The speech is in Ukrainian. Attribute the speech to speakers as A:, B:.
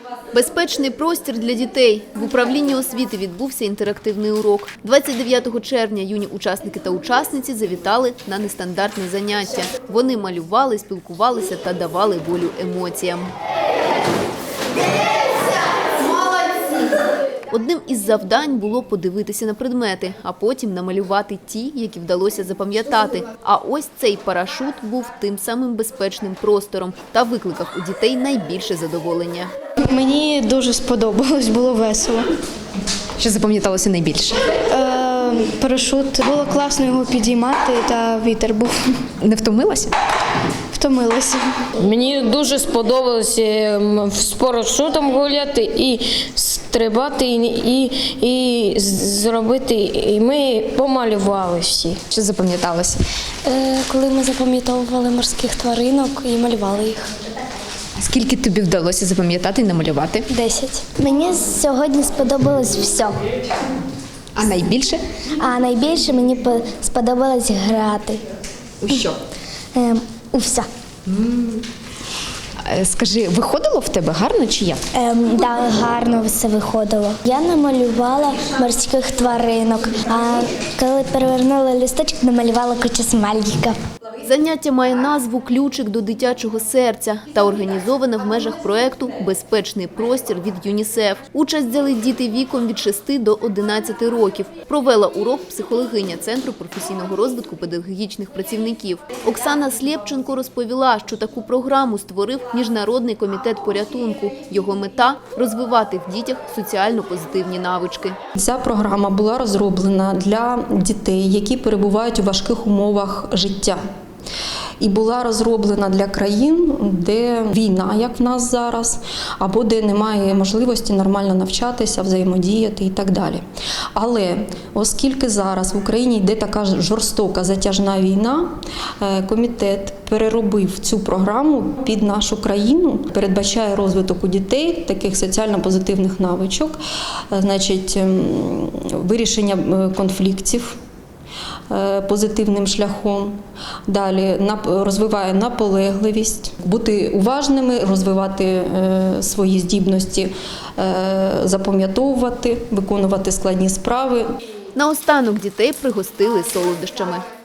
A: Безпечний простір для дітей. В управлінні освіти відбувся інтерактивний урок. 29 червня юні учасники та учасниці завітали на нестандартне заняття. Вони малювали, спілкувалися та давали волю емоціям. Одним із завдань було подивитися на предмети, а потім намалювати ті, які вдалося запам'ятати. А ось цей парашут був тим самим безпечним простором та викликав у дітей найбільше задоволення.
B: Мені дуже сподобалось, було весело.
C: Що запам'яталося найбільше?
B: Парашут, було класно його підіймати, та вітер був.
C: Не втомилася?
B: Втомилася.
D: Мені дуже сподобалося з парашутом гуляти і стрибати, і зробити, і ми помалювали всі.
C: Що запам'яталося?
E: Коли ми запам'ятовували морських тваринок і малювали їх.
C: Скільки тобі вдалося запам'ятати і намалювати?
E: 10. Мені сьогодні сподобалось все.
C: А найбільше?
E: А найбільше мені сподобалось грати.
C: У що?
E: У все.
C: Скажи, виходило в тебе гарно чи як?
E: Так, гарно все виходило. Я намалювала морських тваринок, а коли перевернула листочок, намалювала кучу смайликів.
A: Заняття має назву «Ключик до дитячого серця» та організоване в межах проєкту «Безпечний простір» від ЮНІСЕФ. Участь взяли діти віком від 6 до 11 років. Провела урок психологиня Центру професійного розвитку педагогічних працівників. Оксана Слєпченко розповіла, що таку програму створив Міжнародний комітет порятунку. Його мета – розвивати в дітях соціально-позитивні навички.
F: Ця програма була розроблена для дітей, які перебувають у важких умовах життя. І була розроблена для країн, де війна, як в нас зараз, або де немає можливості нормально навчатися, взаємодіяти і так далі. Але оскільки зараз в Україні йде така жорстока затяжна війна, комітет переробив цю програму під нашу країну, передбачає розвиток у дітей таких соціально-позитивних навичок, значить, вирішення конфліктів позитивним шляхом. Далі розвиває наполегливість, бути уважними, розвивати свої здібності, запам'ятовувати, виконувати складні справи.
A: Наостанок дітей пригостили солодощами.